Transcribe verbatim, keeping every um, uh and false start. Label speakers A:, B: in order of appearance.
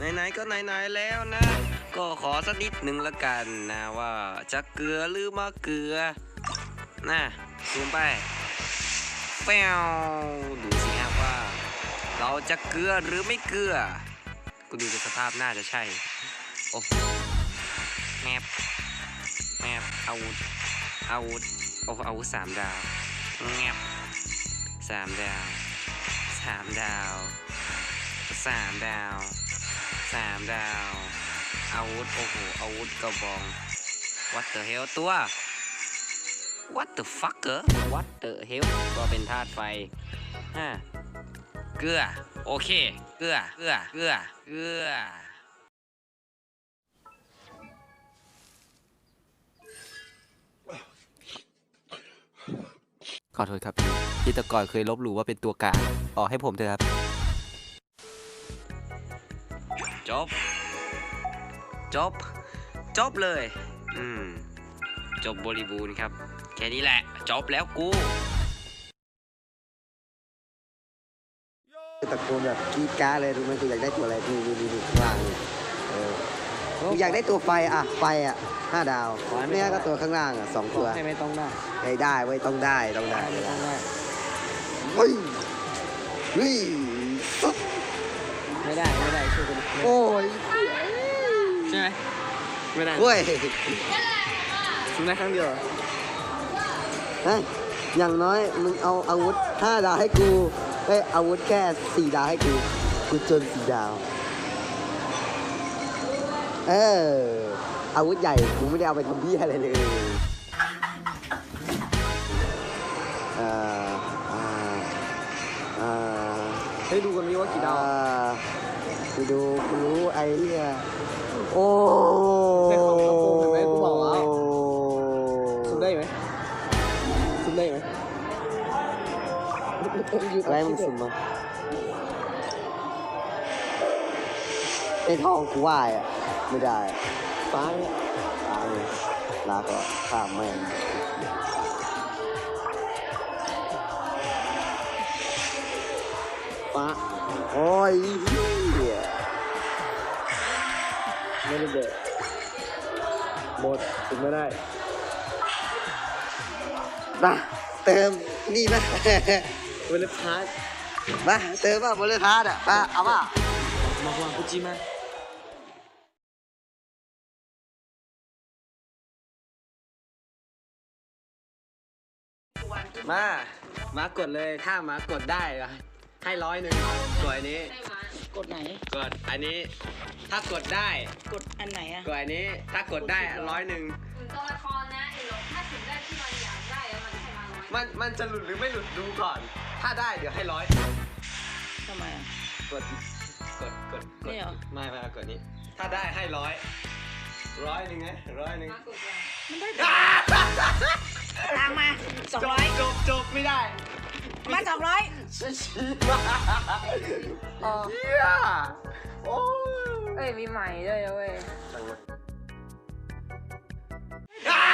A: ไหนๆก็ไหนๆแล้วนะ ก็ขอสักนิดหนึ่งละกันนะว่าจะเกลือหรือมะเกลือนะซูมไปแป้วดูสิครับว่าเราจะเกลือหรือไม่เกลือกูดูจากสภาพน่าจะใช่โอ้แมปแมปอาวุธอาวุธโอ้อาวุธสามดาวแงบสามดาวสามดาวสามดาวสามดาวอาวุธโอ้โหอาวุธกระบอง what the hell ตัว what the fucker what the hell ก็เป็นธาตุไฟฮะเกลือโอเคเกลือเกลือเกลือเกลือขอโทษครับพี่ที่แต่ก่อนเคยลบหลู่ว่าเป็นตัวกลางออกให้ผมเถอะครับจบจบจบเลยอืมจบบริบูรณ์ครับแค่นี้แหละจบแล้วกู
B: ตะโกนแบบกรี๊ดกราดเลยรู้ไหมกูอยากได้ตัวอะไรดูดูดูดูข้างล่างเนี่ยเออกูอยากได้ตัวไฟอ่ะไฟอ่ะห้าดาวไม่งั้นก็ตัวข้างล่างอ่ะสองตัว
C: ให้ไม่ต้องได้
B: ได้ได้เว้ยต้องได้ต้องได้
C: ไม่ต้องได้
B: เฮ้ยเฮ้ย
C: ไม่ได้ไม่ได้ช่วยกัน
B: โอ้ย
C: ใช่ไหมไม่ได้
B: เฮ้ย
C: ทำได้ครั้งเดียว
B: เฮ้ยอย่างน้อยมึงเอาอาวุธห้าดาวให้กูเฮ้ยอาวุธแค่สี่ดาวให้กูกูจนสี่ดาวเอออาวุธใหญ่กูไม่ได้เอาไปทำพี่อะไรเลยเอ่ออ่าอ่า
C: ให้ดูกันมีว่ากี่ดาว
B: กูดูกูรู้ไอ้เนี่ยโอ้
C: แต่ของกระโปรงเห็นไหมกูบอกแล้วซุ่มได้ไหมซุ่มได้ไหม
B: อะไรมึงสุ่มมาไอ้ทองกูว่าอ่ะไม่ได้ฟ้าเนี่ยฟ้าเนี่ยลาก่อนข้ามแม่ง
C: ฟ้า
B: โอ้ยเหี้ย
C: ไม่ได้เด็ดหมดถึงไม่ได้
B: มาเติมนี่ไหม
C: เวลาพาร์ท
B: มาเติมป่ะบนเรือพาร์ทอ่ะมาเอาป่ะ
C: มาวางกุจิมา
A: มา มากดเลยถ้ามากดได้ให้ร้อยหนึ่งกดอันนี้
D: กดไหน
A: กดอันนี้ถ้ากดได้
D: กดอันไหนอะ
A: กดอันนี้ถ้ากดได้ร้อยหนึ่ง
E: ตัวละครนะไอ้หลงถ้าถึงได้ที่มันอยากได้แล้วมันให้มาร้อย
A: มันมันจะหลุดหรือไม่หลุดดูก่อนถ้าได้เดี๋ยวให้ร้อย
D: ทำไมอะ
A: กดกดกดกด
D: นี่เหรอ
A: ไม่ไม่กดนี้ถ้าได้ให้ร้อยร้อยหนึ่งไงร้อยหนึ่ง
D: มันได้ตามมาสองร้อย
A: จบจบไม่ได้
D: มาสองร้อย
A: ชี้มาเฮียโอ้
E: เอ้ยมีใหม่ด้วยเว้ย